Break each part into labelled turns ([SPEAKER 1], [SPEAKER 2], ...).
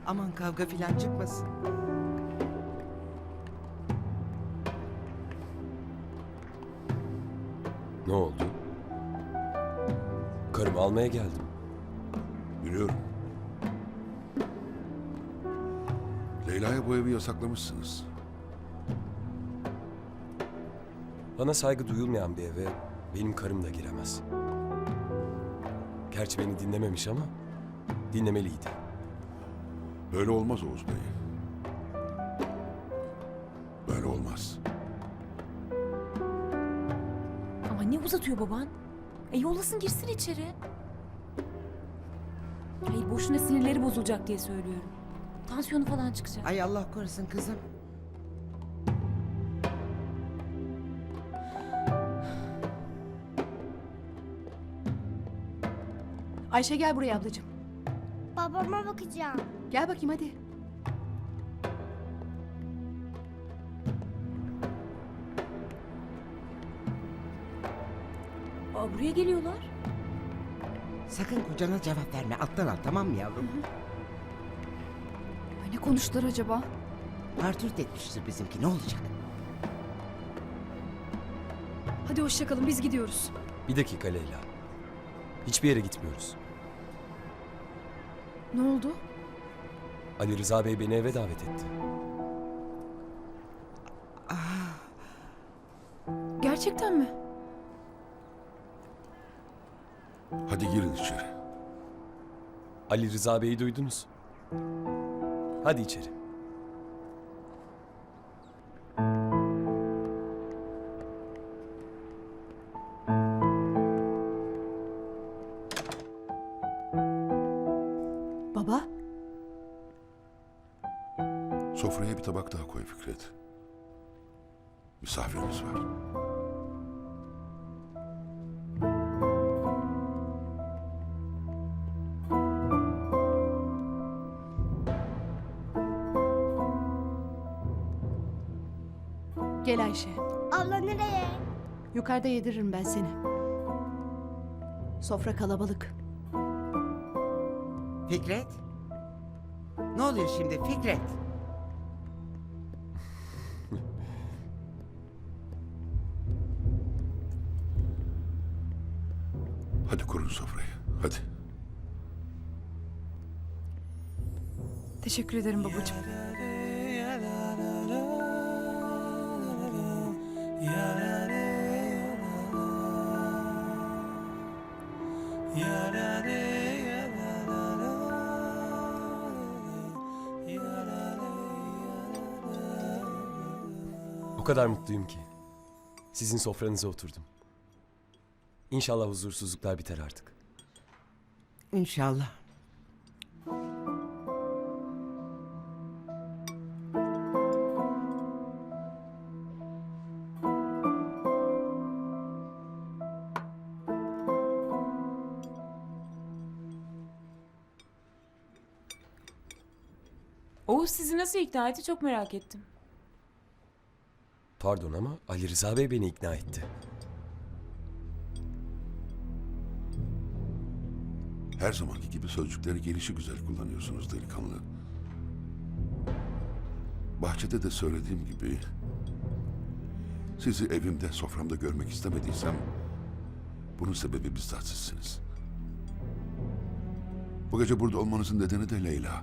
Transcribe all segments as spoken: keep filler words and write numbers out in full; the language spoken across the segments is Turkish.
[SPEAKER 1] Aman kavga filan çıkmasın.
[SPEAKER 2] Ne oldu? Karımı almaya geldim.
[SPEAKER 3] Biliyorum. Leyla'ya bu evi yasaklamışsınız.
[SPEAKER 2] Bana saygı duyulmayan bir eve benim karım da giremez. Gerçi beni dinlememiş ama dinlemeliydi.
[SPEAKER 3] Böyle olmaz Oğuz Bey. Böyle olmaz.
[SPEAKER 4] Ama ne uzatıyor baban? E yollasın girsin içeri. Hayır boşuna sinirleri bozulacak diye söylüyorum. Tansiyonu falan çıkacak.
[SPEAKER 1] Ay Allah korusun kızım.
[SPEAKER 5] Ayşe gel buraya ablacığım.
[SPEAKER 6] Babama bakacağım.
[SPEAKER 5] Gel bakayım hadi.
[SPEAKER 4] Aa, buraya geliyorlar.
[SPEAKER 1] Sakın kocana cevap verme. Alttan al, tamam mı yavrum?
[SPEAKER 5] Ay, ne konuştular acaba?
[SPEAKER 1] Partürt etmiştir bizimki. Ne olacak?
[SPEAKER 5] Hadi hoşça kalın, biz gidiyoruz.
[SPEAKER 2] Bir dakika Leyla. Hiçbir yere gitmiyoruz.
[SPEAKER 5] Ne oldu?
[SPEAKER 2] Ali Rıza Bey beni eve davet etti.
[SPEAKER 5] Gerçekten mi?
[SPEAKER 3] Hadi girin içeri.
[SPEAKER 2] Ali Rıza Bey'i duydunuz. Hadi içeri.
[SPEAKER 5] Baba,
[SPEAKER 3] Sofraya bir tabak daha koy Fikret. Misafirimiz var.
[SPEAKER 5] gel Ayşe.
[SPEAKER 6] Abla nereye?
[SPEAKER 5] Yukarıda yediririm ben seni. Sofra kalabalık.
[SPEAKER 1] Fikret? Ne oluyor şimdi Fikret?
[SPEAKER 3] Hadi kurun sofrayı. Hadi.
[SPEAKER 5] Teşekkür ederim babacığım.
[SPEAKER 2] O kadar mutluyum ki. Sizin sofranıza oturdum. İnşallah huzursuzluklar biter artık.
[SPEAKER 1] İnşallah.
[SPEAKER 4] Oğuz sizi nasıl ikna etti çok merak ettim.
[SPEAKER 2] Pardon ama Ali Rıza Bey beni ikna etti.
[SPEAKER 3] Her zamanki gibi sözcükleri gelişi güzel kullanıyorsunuz delikanlı. Bahçede de söylediğim gibi... ...sizi evimde, soframda görmek istemediysem... ...bunun sebebi bizzat sizsiniz. Bu gece burada olmanızın nedeni de Leyla.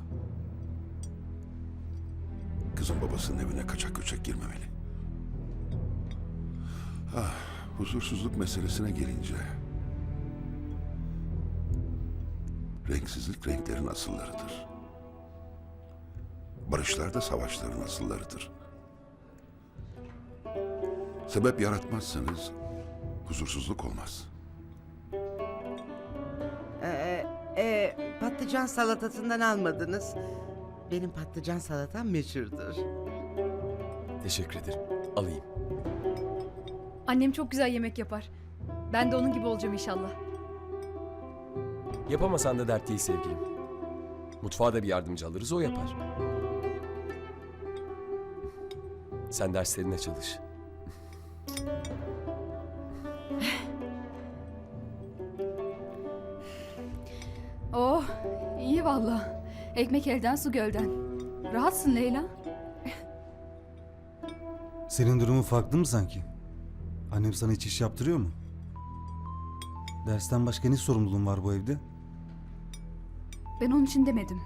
[SPEAKER 3] Kızın babasının evine kaçak göçek girmemeli. Ah, huzursuzluk meselesine gelince... Renksizlik renklerin asıllarıdır. Barışlar da savaşların asıllarıdır. Sebep yaratmazsanız huzursuzluk olmaz.
[SPEAKER 1] Ee, e, patlıcan salatasından almadınız. Benim patlıcan salatam meşhurdur.
[SPEAKER 2] Teşekkür ederim. Alayım.
[SPEAKER 5] Annem çok güzel yemek yapar. Ben de onun gibi olacağım inşallah.
[SPEAKER 2] Yapamasan da dert değil sevgilim. Mutfağa da bir yardımcı alırız, o yapar. Sen derslerine çalış.
[SPEAKER 5] Oh, iyi valla. Ekmek elden su gölden. Rahatsın Leyla.
[SPEAKER 7] Senin durumun farklı mı sanki? Annem sana hiç iş yaptırıyor mu? Dersten başka ne sorumluluğun var bu evde?
[SPEAKER 5] Ben onun için demedim.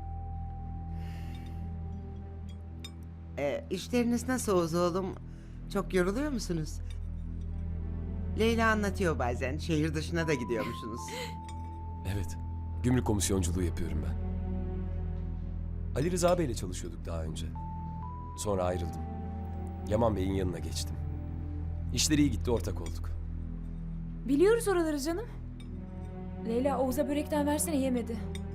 [SPEAKER 1] Ee, işleriniz nasıl Oğuz oğlum? Çok yoruluyor musunuz? Leyla anlatıyor bazen. Şehir dışına da gidiyormuşsunuz.
[SPEAKER 2] Evet. Gümrük komisyonculuğu yapıyorum ben. Ali Rıza Bey'le çalışıyorduk daha önce. Sonra ayrıldım. Yaman Bey'in yanına geçtim. İşleri iyi gitti, ortak olduk.
[SPEAKER 4] Biliyoruz oraları canım. Leyla Oğuz'a börekten versene, yemedi.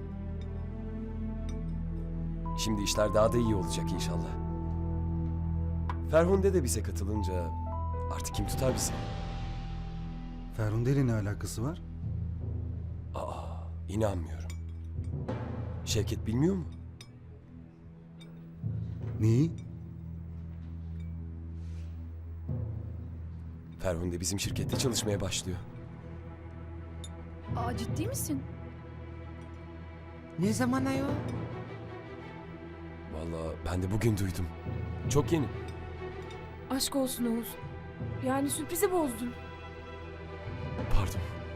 [SPEAKER 2] Şimdi işler daha da iyi olacak inşallah. Ferhunde de bize katılınca artık kim tutar bizi?
[SPEAKER 7] Ferhunde ile ne alakası var?
[SPEAKER 2] Aa, inanmıyorum. Şevket bilmiyor mu?
[SPEAKER 7] Neyi?
[SPEAKER 2] Ferhunde bizim şirkette çalışmaya başlıyor.
[SPEAKER 5] Aa, ciddi misin?
[SPEAKER 1] Ne zaman ayol?
[SPEAKER 2] Vallahi ben de bugün duydum. Çok yeni.
[SPEAKER 4] Aşk olsun Oğuz. Yani sürprizi bozdun.
[SPEAKER 2] Pardon.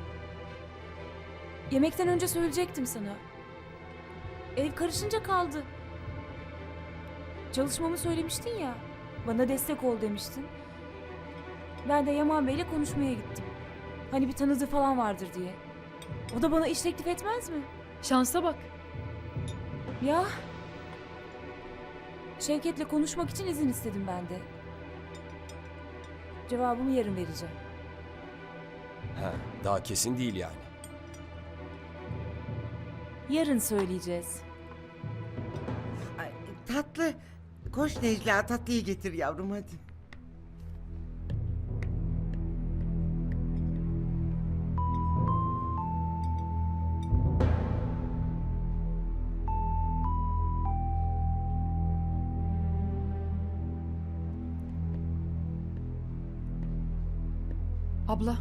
[SPEAKER 4] Yemekten önce söyleyecektim sana. Ev karışınca kaldı. Çalışmamı söylemiştin ya. Bana destek ol demiştin. Ben de Yaman Bey'le konuşmaya gittim. Hani bir tanıdığı falan vardır diye. O da bana iş teklif etmez mi?
[SPEAKER 5] Şansa bak.
[SPEAKER 4] Ya. Şevket'le konuşmak için izin istedim ben de. Cevabımı yarın vereceğim.
[SPEAKER 2] Ha, daha kesin değil yani.
[SPEAKER 4] Yarın söyleyeceğiz.
[SPEAKER 1] Ay, tatlı. Koş Necla, tatlıyı getir yavrum hadi.
[SPEAKER 5] Abla,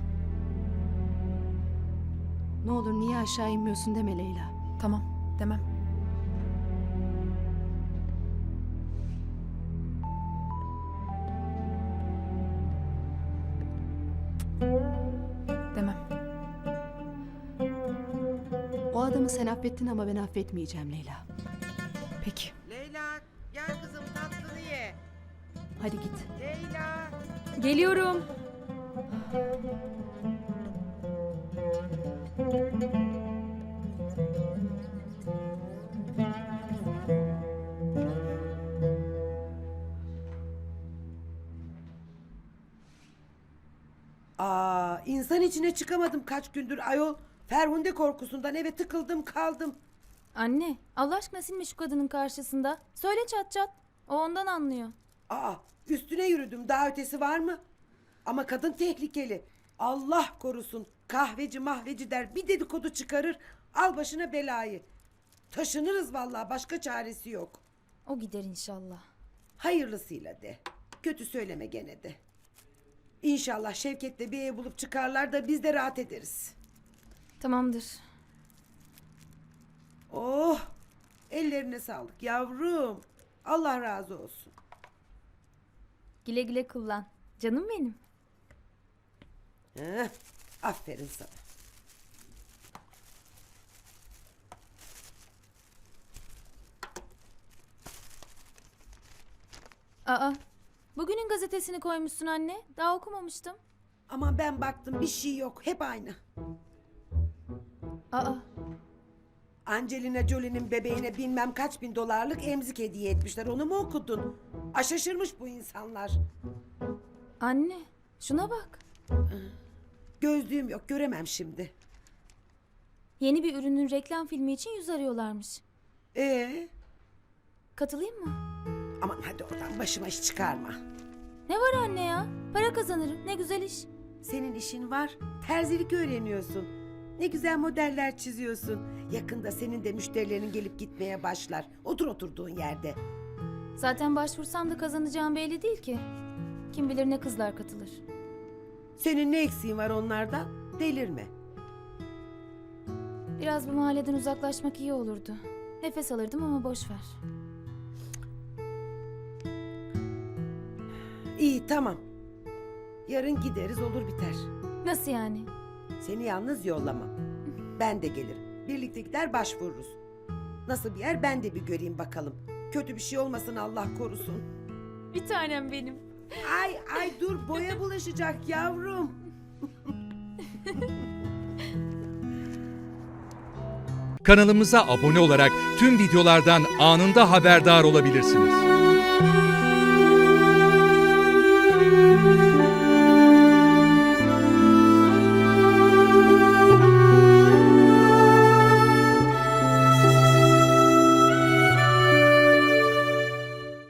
[SPEAKER 8] Ne olur niye aşağı inmiyorsun deme Leyla.
[SPEAKER 5] tamam demem. Demem.
[SPEAKER 8] O adamı sen affettin ama ben affetmeyeceğim Leyla.
[SPEAKER 5] Peki.
[SPEAKER 1] Leyla gel kızım tatlını ye.
[SPEAKER 8] Hadi git.
[SPEAKER 1] Leyla.
[SPEAKER 5] Geliyorum.
[SPEAKER 9] Aa, insan içine çıkamadım kaç gündür ayol. Ferhunde korkusundan eve tıkıldım kaldım.
[SPEAKER 4] Anne, Allah aşkına silme şu kadının karşısında. Söyle çat çat. O ondan anlıyor.
[SPEAKER 9] Aa, üstüne yürüdüm, daha ötesi var mı? Ama kadın tehlikeli. Allah korusun, kahveci mahveci der, bir dedikodu çıkarır, al başına belayı. Taşınırız vallahi, başka çaresi yok.
[SPEAKER 4] O gider inşallah.
[SPEAKER 9] Hayırlısıyla de. Kötü söyleme gene de. İnşallah Şevket'le bir ev bulup çıkarlar da biz de rahat ederiz.
[SPEAKER 4] Tamamdır.
[SPEAKER 9] Oh, ellerine sağlık yavrum. Allah razı olsun.
[SPEAKER 4] Güle güle kullan. Canım benim.
[SPEAKER 9] Heh, aferin sana.
[SPEAKER 4] Aa, bugünün gazetesini koymuşsun anne. Daha okumamıştım.
[SPEAKER 9] Ama ben baktım bir şey yok, hep aynı.
[SPEAKER 4] Aa,
[SPEAKER 9] Angelina Jolie'nin bebeğine bilmem kaç bin dolarlık emzik hediye etmişler. Onu mu okudun? A şaşırmış bu insanlar.
[SPEAKER 4] anne, şuna bak.
[SPEAKER 9] Gözlüğüm yok, göremem şimdi.
[SPEAKER 4] Yeni bir ürünün reklam filmi için yüz arıyorlarmış.
[SPEAKER 9] Ee,
[SPEAKER 4] Katılayım mı?
[SPEAKER 9] aman hadi oradan başıma iş çıkarma.
[SPEAKER 4] Ne var anne ya? Para kazanırım. Ne güzel iş.
[SPEAKER 9] Senin işin var, terzilik öğreniyorsun. Ne güzel modeller çiziyorsun. Yakında senin de müşterilerin gelip gitmeye başlar. Otur oturduğun yerde.
[SPEAKER 4] Zaten başvursam da kazanacağım belli değil ki. Kim bilir ne kızlar katılır.
[SPEAKER 9] Senin ne eksiğin var onlardan? Delirme.
[SPEAKER 4] Biraz bu mahalleden uzaklaşmak iyi olurdu. Nefes alırdım ama boş ver.
[SPEAKER 9] İyi tamam. Yarın gideriz olur biter.
[SPEAKER 4] Nasıl yani?
[SPEAKER 9] Seni yalnız yollamam. Ben de gelirim. Birlikte gider başvururuz. Nasıl bir yer ben de bir göreyim bakalım. Kötü bir şey olmasın Allah korusun.
[SPEAKER 4] Bir tanem benim.
[SPEAKER 9] Ay ay dur boya bulaşacak yavrum.
[SPEAKER 10] Kanalımıza abone olarak tüm videolardan anında haberdar olabilirsiniz.